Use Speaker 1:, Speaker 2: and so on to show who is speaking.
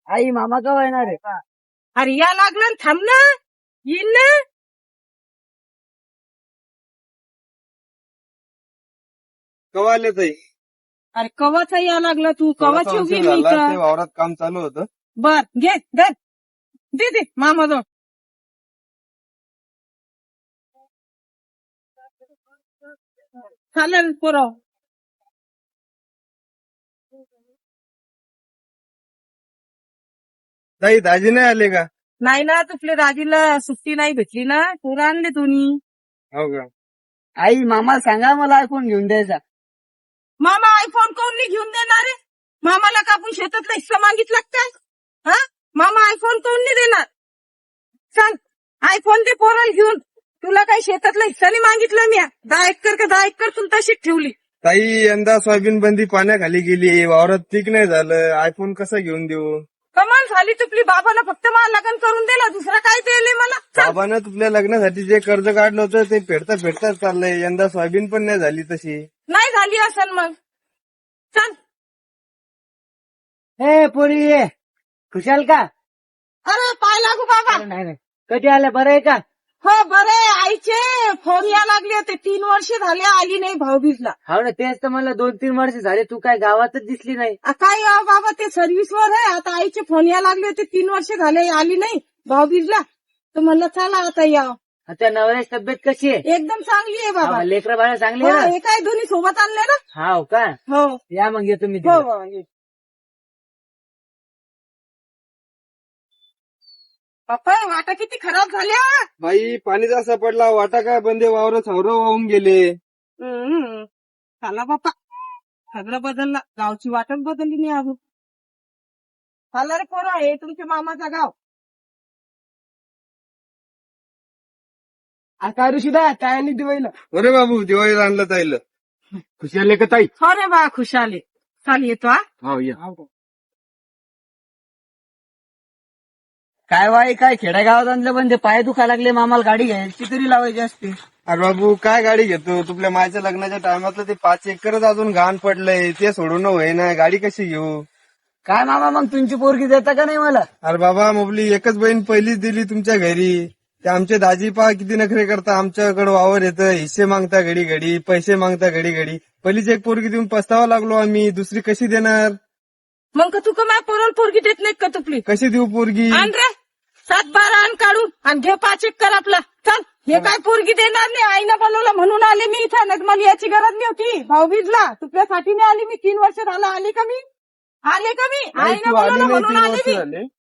Speaker 1: आई मामा केव्हा येणार आहे?
Speaker 2: अरे या लागलं ना, थांब ना, येईन ना.
Speaker 3: केव्हा आले ताई?
Speaker 2: अरे कवाचा या लागला तू, कवाची
Speaker 3: थोडासा
Speaker 2: उभी
Speaker 3: उशीर
Speaker 2: मी
Speaker 3: झाला, ते
Speaker 2: इथं.
Speaker 3: वावरात काम चालू होतं.
Speaker 2: बर घे धर, दे मामा जो. चालेल पुरव.
Speaker 3: ताई दाजी नाही आले का?
Speaker 2: नाही ना, तुपल्या दाजीला सुट्टी नाही भेटली ना, पोरं आणले तुम्ही.
Speaker 3: हो का?
Speaker 1: आई मामा सांगा मला आयफोन घेऊन द्यायचा.
Speaker 2: मामा आयफोन कोण नाही घेऊन देणार आहे? मामाला का आपण शेतातला हिस्सा मागितला का काय? हा, मामा आयफोन कोण नाही देणार? सांग, आयफोन दे पोराला घेऊन. तुला काही शेतातला हिस्सा नाही मागितला मी. 10 एकर का 10 एकर तुला तशीच ठेवली.
Speaker 3: ताई यंदा सोयाबीन बंदी पाण्याखाली गेली, वावरात पीक नाही झालं, आयफोन कसा घेऊन देऊ?
Speaker 2: कमाल झाली तुपली. बाबाला फक्त मला लग्न करून दिला, दुसरा काय दिले मला? चल.
Speaker 3: बाबानं तुझ्या लग्नासाठी जे कर्ज काढलं होतं ते फेडता चाललंय. यंदा सोयाबीन पण नाही झाली तशी.
Speaker 2: नाही झाली असन मग. चल.
Speaker 1: ए पोरी ये खुशाल का?
Speaker 2: अरे पाय लागू बाबा.
Speaker 1: अरे नाही नाही, कधी आल्या बरं आहे का?
Speaker 2: हो बरे, आईचे फोन या लागले होते. 3 वर्ष झाले आली नाही भाऊबीजला.
Speaker 1: हो ना, तेच तर मला 2-3 वर्ष झाले तू काय गावातच दिसली नाही.
Speaker 2: काय बाबा, ते सर्व्हिसवर आहे. आता आईचे फोन या लागले होते. 3 वर्ष झाले आली नाही भाऊबीजला. तर म्हणलं चला आता या.
Speaker 1: त्या नवऱ्याची तब्येत कशी आहे?
Speaker 2: एकदम चांगली आहे बाबा.
Speaker 1: लेकरं बाळा चांगली
Speaker 2: हो,
Speaker 1: आहे ना?
Speaker 2: हे काय दोन्ही सोबत आणले ना.
Speaker 1: हाव का?
Speaker 2: हो
Speaker 1: या मग येतो मी
Speaker 2: हो
Speaker 1: तिकडे.
Speaker 2: हो, ये. पप्पा वाटा किती खराब झाल्या.
Speaker 3: बाई पाणी जास्त पडला, वाटा काय बंदे, वावर सौरव वाहून गेले.
Speaker 2: चला बाप्पा, सगळं बदललं. गावची वाटच बदलली नाही अजून. चला रे पोरा, हे तुमच्या मामाचा गाव.
Speaker 1: काय ऋषीदा काय आणि दिवाळीला?
Speaker 3: अरे बाबू दिवाळीला आणलं ताईला.
Speaker 1: खुशाल का ताई?
Speaker 2: हो रे बा, खुशाले. चाल येतो हा.
Speaker 3: हो या.
Speaker 1: काय वाई काय खेड्यागावात आणलं पण ते पाय दुखा लागले. मामाला गाडी घ्यायची तरी लावायची असते.
Speaker 3: अरे बाबू काय गाडी घेतो, तुझ्या मायच्या लग्नाच्या टायमातलं ते 5 एकरच अजून घाण पडलंय, ते सोडून होईना, गाडी कशी घेऊ?
Speaker 1: काय मामा मग तुमची पोरगी देता का नाही मला?
Speaker 3: अरे बाबा मोबली एकच बहीण पहिलीच दिली तुमच्या घरी. ते आमचे दाजी पहा किती नखरे करता, आमच्याकडे वावर येतं, हिस्से मागता घडी घडी, पैसे मागता घडी घडी. पहिलीच एक पोरगी देऊन पस्तावा लागलो आम्ही, दुसरी कशी देणार?
Speaker 2: मग का तू का माझ्या पोराला पोरगी देत नाही का तुपली?
Speaker 3: कशी देऊ पोरगी?
Speaker 2: आण रे 7-12 आण काढून आणि घे 5 एकर आपला. चल, हे काय पोरगी देणार नाही. आईनं बोलवलं म्हणून आले मी इथं. नाही मला याची गरज नाही होती. भाऊबीजला तुझ्यासाठी नाही आली मी. 3 वर्ष झालं आली का मी? आले का मी? आईनं
Speaker 3: तू आली
Speaker 2: बोलवलं
Speaker 3: नाही,
Speaker 2: म्हणून
Speaker 3: 3
Speaker 2: आले
Speaker 3: वर्ष
Speaker 2: मी.
Speaker 3: झाले.